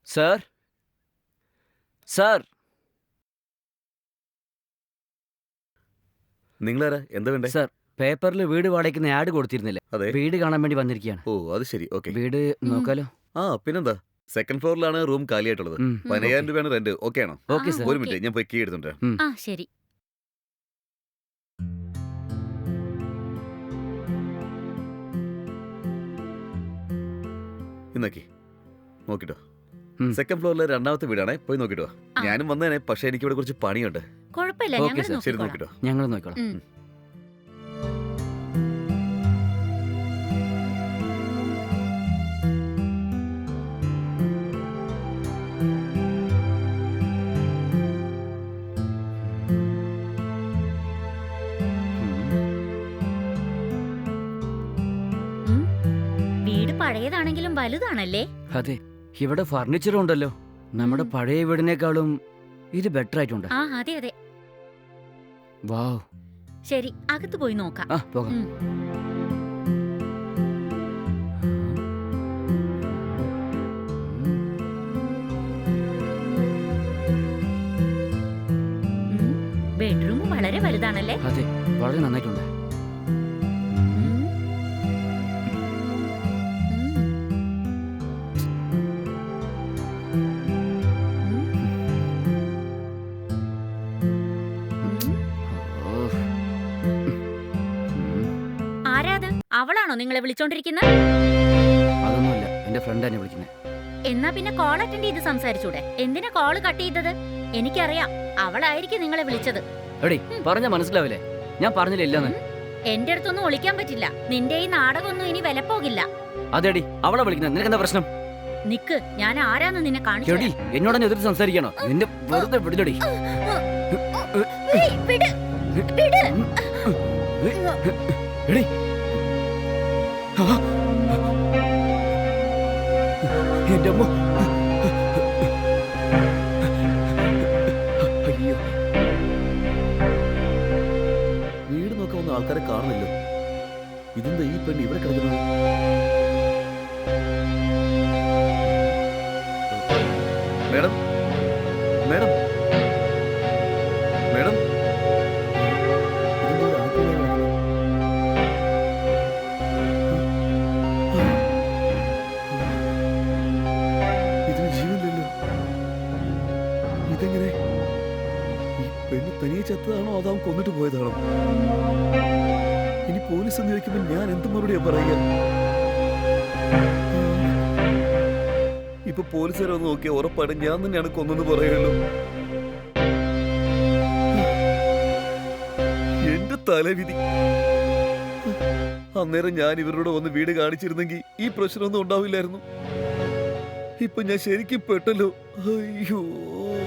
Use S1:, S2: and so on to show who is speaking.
S1: Sir sir
S2: നിങ്ങളാരാ? എന്താ വേണ്ടേ?
S1: സാർ പേപ്പറിൽ വീട് വാടകയ്ക്കുന്ന ആഡ് കൊടുത്തിരുന്നില്ലേ?
S2: അതെ.
S1: വീട് കാണാൻ വേണ്ടി വന്നിരിക്കുകയാണ്.
S2: ഓ അത് ശരി. ഓക്കെ.
S1: വീട് നോക്കാലോ?
S2: ആ പിന്നെന്താ, സെക്കൻഡ് ഫ്ലോറിലാണ് റൂം കാലിയായിട്ടുള്ളത്. 15,000 രൂപയാണ് റെന്റ്. ഓക്കെ ആണോ?
S1: Okay sir.
S2: ഒരു മിനിറ്റ്, ഞാൻ പോയി കീ എടുത്തുണ്ട്.
S3: ആ ശരി.
S2: ഇന്നാക്കി നോക്കിട്ടോ.
S1: ഉം.
S2: സെക്കൻഡ് ഫ്ലോറിലെ രണ്ടാമത്തെ വീടാണേ, പോയി നോക്കിട്ടോ.
S3: ആ.
S2: ഞാനും വന്നേനെ, പക്ഷെ എനിക്ക് ഇവിടെ കുറച്ച് പണിയുണ്ട്.
S3: കുഴപ്പമില്ല,
S1: ഓക്കേ
S3: ഞങ്ങൾ
S1: സർ,
S2: ശരി,
S3: നോക്കിക്കോളാം.
S2: നോക്കിട്ടോ.
S1: ഞങ്ങൾ നോക്കിക്കോളാം.
S3: ഉം. ഉം. വീട് പഴയതാണെങ്കിലും വലുതാണല്ലേ?
S1: അതെ, ഇവിടെ ഫർണിച്ചറും ഉണ്ടല്ലോ. നമ്മുടെ പഴയ വീടിനേക്കാളും ഇത് ബെറ്റർ ആയിട്ടുണ്ട്.
S3: ആ അതെ അതെ.
S1: വാവ്.
S3: ശരി, അകത്ത് പോയി നോക്കാം.
S1: ആ പോകാം.
S3: ഉം. ബെഡ്റൂം വളരെ വലുതാണല്ലേ?
S1: അതെ, വളരെ നന്നായിട്ടുണ്ട്.
S3: ഉം. ഉം.
S1: ഓ.
S3: ആരാത്? അവളാണോ നിങ്ങളെ വിളിച്ചോണ്ടിരിക്കുന്നത്?
S1: അതൊന്നുമല്ല, എന്റെ ഫ്രണ്ട് എന്നെ വിളിക്കുന്നത്.
S3: എന്നാ പിന്നെ കോൾ അറ്റൻഡ് ചെയ്ത് സംസാരിച്ചൂടെ? എന്തിനാ കോള് കട്ട് ചെയ്തത്? എനിക്കറിയാം, അവളായിരിക്കും നിങ്ങളെ വിളിച്ചത്.
S1: എടി പറഞ്ഞ മനസ്സിലാവില്ലേ? ഞാൻ പറഞ്ഞില്ല ഇല്ലെന്ന്.
S3: എന്റെ അടുത്തൊന്നും ഒളിക്കാൻ പറ്റില്ല. നിന്റെ ഈ നാടകമൊന്നും ഇനി വില പോകില്ല.
S1: അതെടി അവളെ വിളിക്കുന്നത്. നിനക്ക് എന്താ പ്രശ്നം?
S3: നിക്ക്, ഞാൻ ആരാന്ന് നിന്നെ കാണിച്ചു
S1: എടി എന്നോട് എതിർ സംസാരിക്കണോ? നിന്റെ വെറുതെ വിടില്ലടി. എടി ആ. എന്റെ അമ്മ.
S2: അയ്യോ, വീട് നോക്കാൻ വന്ന ആൾക്കാരെ കാണുന്നില്ലോ. ഇതെന്താ ഈ പെണ്ണ് ഇവിടെ കിടക്കുന്നത്? മേഡം, മേഡം, മേഡം, ഇതെന്താ അടുക്കളയിൽ കിടക്കുന്നത്? ഇതിന് ജീവനില്ലല്ലോ. ഇതെങ്ങനെ? ഈ പെണ്ണ് തനിയെ ചത്തതാണോ അതോ അവൻ കൊന്നിട്ട് പോയതാണോ? ഇനി പോലീസ് എന്ന് ചോദിക്കുമ്പോൾ ഞാൻ എന്ത് മറുപടിയാ പറയുക? ഇപ്പൊ പോലീസുകാരെ ഒന്ന് നോക്കിയാ ഉറപ്പായിട്ടും ഞാൻ തന്നെയാണ് കൊന്നെന്ന് പറയുള്ളൂ. എന്റെ തലവിധി. അന്നേരം ഞാൻ ഇവരോട് വന്ന് വീട് കാണിച്ചിരുന്നെങ്കിൽ ഈ പ്രശ്നമൊന്നും ഉണ്ടാവില്ലായിരുന്നു. ഇപ്പൊ ഞാൻ ശരിക്കും പെട്ടല്ലോ. അയ്യോ.